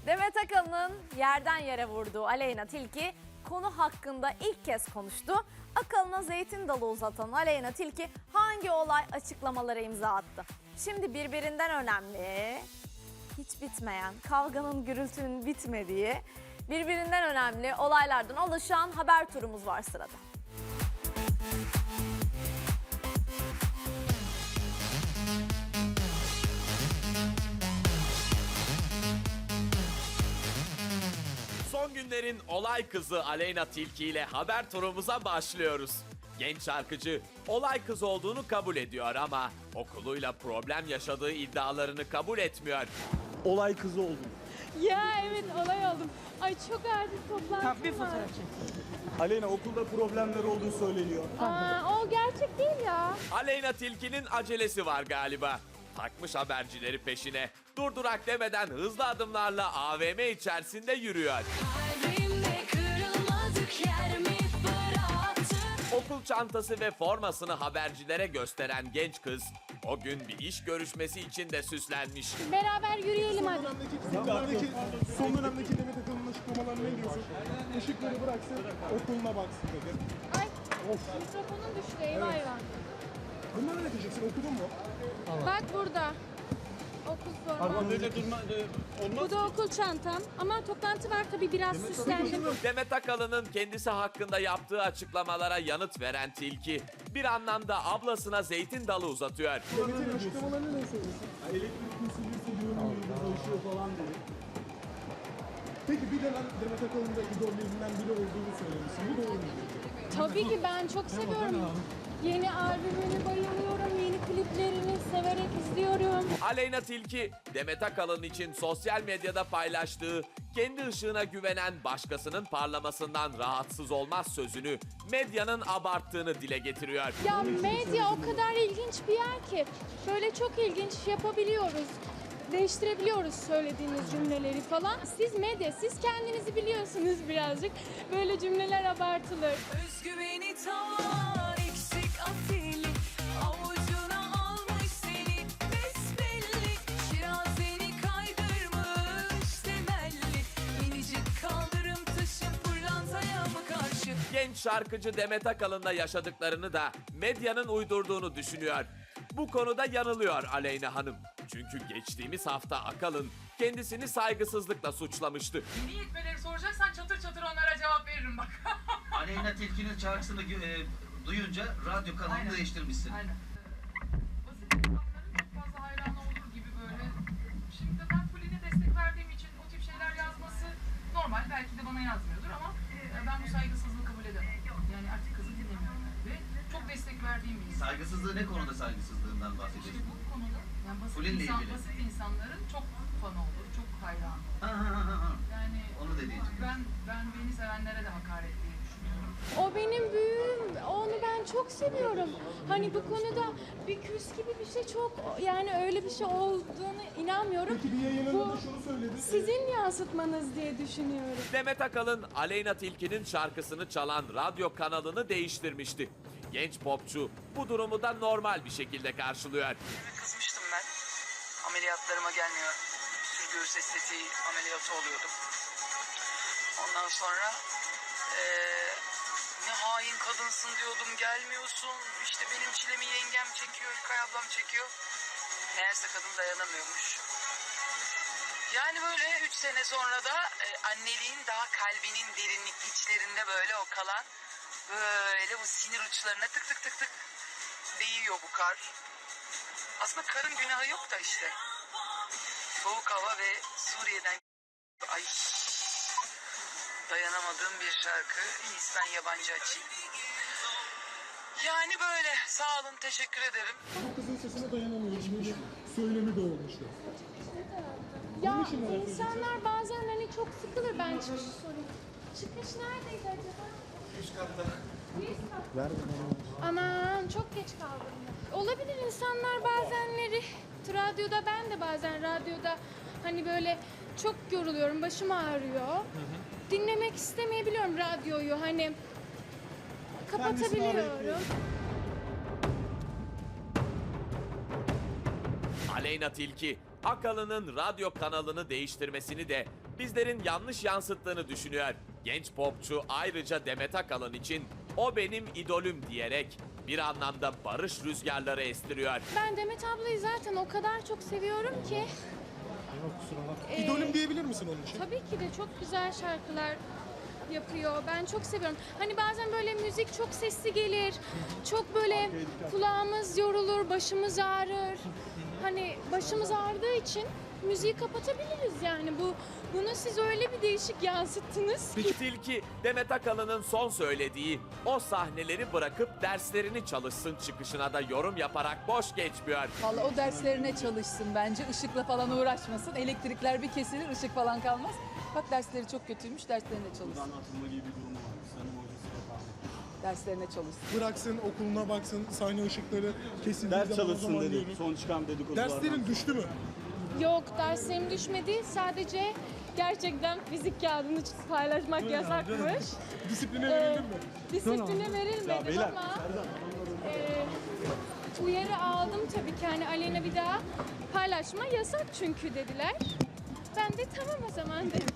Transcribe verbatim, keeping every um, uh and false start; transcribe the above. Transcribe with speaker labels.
Speaker 1: Demet Akalın'ın yerden yere vurduğu Aleyna Tilki konu hakkında ilk kez konuştu. Akalın'a zeytin dalı uzatan Aleyna Tilki hangi olay açıklamalara imza attı? Şimdi birbirinden önemli, hiç bitmeyen, kavganın gürültünün bitmediği, birbirinden önemli olaylardan oluşan haber turumuz var sırada.
Speaker 2: Son günlerin olay kızı Aleyna Tilki ile haber turumuza başlıyoruz. Genç şarkıcı olay kız olduğunu kabul ediyor ama okuluyla problem yaşadığı iddialarını kabul etmiyor.
Speaker 3: Olay kızı oldum.
Speaker 4: Ya evet olay oldum. Ay çok acil toplantım
Speaker 3: Bir
Speaker 4: var.
Speaker 3: fotoğraf çek. Aleyna okulda problemler olduğu söyleniyor.
Speaker 4: Aa, o gerçek değil ya.
Speaker 2: Aleyna Tilki'nin acelesi var galiba. Takmış habercileri peşine. Durdurak demeden hızlı adımlarla A V M içerisinde yürüyor.
Speaker 5: Kalbimde kırılmadık yer mi bıraktın?
Speaker 2: Okul çantası ve formasını habercilere gösteren genç kız o gün bir iş görüşmesi için de süslenmiş.
Speaker 4: Beraber yürüyelim hadi.
Speaker 6: Son dönemdeki, son dönemdeki Demet Akalın'ın açıklamalarına ne diyorsun? Işıkları bıraksın, okuluna baksın dedi.
Speaker 4: Ay mikrofonun düştü eyvah eyvah.
Speaker 6: Bunları ne diyeceksin, okudun mu?
Speaker 4: Bak burada. Okul forması.
Speaker 3: Böyle durma,
Speaker 4: Bu da okul çantam. Ama toplantı var tabii biraz süslendim.
Speaker 2: Demet Akalın'ın kendisi hakkında yaptığı açıklamalara yanıt veren Tilki bir anlamda ablasına zeytin dalı uzatıyor.
Speaker 6: Demet'in açıklamalarını ne söylüyorsun? Elektrik kesilirse yönü değişiyor falan diye. Peki bir dönem Demet Akalın da idollerinden biri olduğunu söylemişsin. Bu doğru mu?
Speaker 4: Tabii ki ben çok seviyorum. Yeni albümünü bayılıyorum. Yeni kliplerini severek izliyorum.
Speaker 2: Aleyna Tilki, Demet Akalın için sosyal medyada paylaştığı kendi ışığına güvenen başkasının parlamasından rahatsız olmaz sözünü medyanın abarttığını dile getiriyor.
Speaker 4: Ya medya o kadar ilginç bir yer ki. Böyle çok ilginç yapabiliyoruz. Değiştirebiliyoruz söylediğiniz cümleleri falan. Siz medya, siz kendinizi biliyorsunuz birazcık. Böyle cümleler abartılır.
Speaker 5: Özgüveni tavan eksik afili, avucuna almış seni besbelli. Şirazeni kaydırmış temelli, minicik kaldırım taşı pırlantaya mı karşı?
Speaker 2: Genç şarkıcı Demet Akalın'la yaşadıklarını da medyanın uydurduğunu düşünüyor. Bu konuda yanılıyor Aleyna Hanım. Çünkü geçtiğimiz hafta Akalın kendisini saygısızlıkla suçlamıştı.
Speaker 7: Dini hikmeleri soracaksan çatır çatır onlara cevap veririm bak.
Speaker 8: Aleyna Tilki'nin şarkısını e, duyunca radyo kanalını
Speaker 7: Aynen.
Speaker 8: değiştirmişsin.
Speaker 7: Aynen. Basit insanların çok fazla hayranı olur gibi böyle. Şimdi ben Fulin'e destek verdiğim için o tip şeyler yazması normal. Belki de bana yazmıyordur ama e, ben bu saygısızlığı kabul edemem. Yani artık kızı dinlemiyorum. Ve çok destek verdiğim bir insan.
Speaker 8: Saygısızlığı ne konuda saygısızlığından
Speaker 7: İşte
Speaker 8: bahsediyorsun?
Speaker 7: bu konuda yani basit,
Speaker 8: Fulin'le
Speaker 7: insan,
Speaker 8: ilgili.
Speaker 7: basit insanların çok fanı olur, çok hayranı.
Speaker 8: Ha ha ha ha.
Speaker 7: Yani
Speaker 8: Onu dediğin için.
Speaker 7: ben, ben beni sevenlere de hakaret diye düşünüyorum.
Speaker 4: O benim büyüğüm. Onu ben çok seviyorum. Hani bu konuda bir küs gibi bir şey çok yani öyle bir şey olduğunu inanmıyorum.
Speaker 6: Peki bir yayınında
Speaker 4: Bu
Speaker 6: şunu söyledi.
Speaker 4: sizin yansıtmanız diye düşünüyorum.
Speaker 2: Demet Akalın, Aleyna Tilki'nin şarkısını çalan radyo kanalını değiştirmişti. Genç popçu bu durumu da normal bir şekilde karşılıyor.
Speaker 9: Kızmıştım ben. Ameliyatlarıma gelmiyor. Sür göğüs estetiği ameliyatı oluyordum. Ondan sonra eee, ne hain kadınsın diyordum, gelmiyorsun. İşte benim çilemi yengem çekiyor, İlkay ablam çekiyor. Meğerse kadın dayanamıyormuş. Yani böyle üç sene sonra da e, anneliğin daha kalbinin derinlik içlerinde böyle o kalan böyle bu sinir uçlarına tık tık tık tık değiyor bu kar. Aslında karın günahı yok da işte. Soğuk hava ve Suriye'den ay dayanamadığım bir şarkı. İyisi ben yabancı açayım. Yani böyle. Sağ olun, teşekkür ederim.
Speaker 6: Bu kızın sesine dayanamıyor. Şimdi söylemi de olmuştu.
Speaker 4: Ya
Speaker 6: için merak
Speaker 4: insanlar bazen hani çok sıkılır. Ben çıkışı sorayım. Çıkış neredeydi acaba? Üst katta. Ver Aman çok geç kaldım. Olabilir insanlar bazenleri. Radyoda ben de bazen radyoda hani böyle çok yoruluyorum. Başım ağrıyor. Dinlemek istemeyebiliyorum radyoyu. Hani kapatabiliyorum.
Speaker 2: Aleyna Tilki, Akalın'ın radyo kanalını değiştirmesini de bizlerin yanlış yansıttığını düşünüyor. Genç popçu ayrıca Demet Akalın için o benim idolüm diyerek bir anlamda barış rüzgarları estiriyor.
Speaker 4: Ben Demet ablayı zaten o kadar çok seviyorum ki. Ee,
Speaker 6: İdolüm diyebilir misin onun için?
Speaker 4: Tabii ki de çok güzel şarkılar yapıyor. Ben çok seviyorum. Hani bazen böyle müzik çok sesli gelir. Çok böyle kulağımız yorulur, başımız ağrır. Hani başımız ağrıdığı için müziği kapatabiliriz yani. Bu bunu siz öyle bir değişik yansıttınız ki.
Speaker 2: Tilki, Demet Akalın'ın son söylediği o sahneleri bırakıp derslerini çalışsın çıkışına da yorum yaparak boş geçmiyor.
Speaker 10: Vallahi o derslerine çalışsın bence. Işıkla falan uğraşmasın. Elektrikler bir kesilir, ışık falan kalmaz. Bak dersleri çok kötüymüş, derslerine çalışsın.
Speaker 3: Atılma gibi bir durum var. Senin hocası yok abi.
Speaker 10: Derslerine çalışsın.
Speaker 6: Bıraksın, okuluna baksın, sahne ışıkları kesildiği
Speaker 3: Ders
Speaker 6: zaman o
Speaker 3: çalışsın
Speaker 6: zaman
Speaker 3: dedi.
Speaker 6: diyoruz.
Speaker 3: Son çıkan dedikodulardan.
Speaker 6: Derslerin düştü mü?
Speaker 4: Yok, derslerim düşmedi. Sadece gerçekten fizik kağıdını paylaşmak yasakmış.
Speaker 6: Disipline
Speaker 4: Ee,
Speaker 6: verildin mi?
Speaker 4: Disipline verilmedi
Speaker 3: beyler,
Speaker 4: ama e, uyarı aldım tabii ki, hani Aleyna bir daha paylaşma yasak çünkü dediler. Ben de tamam o zaman dedim.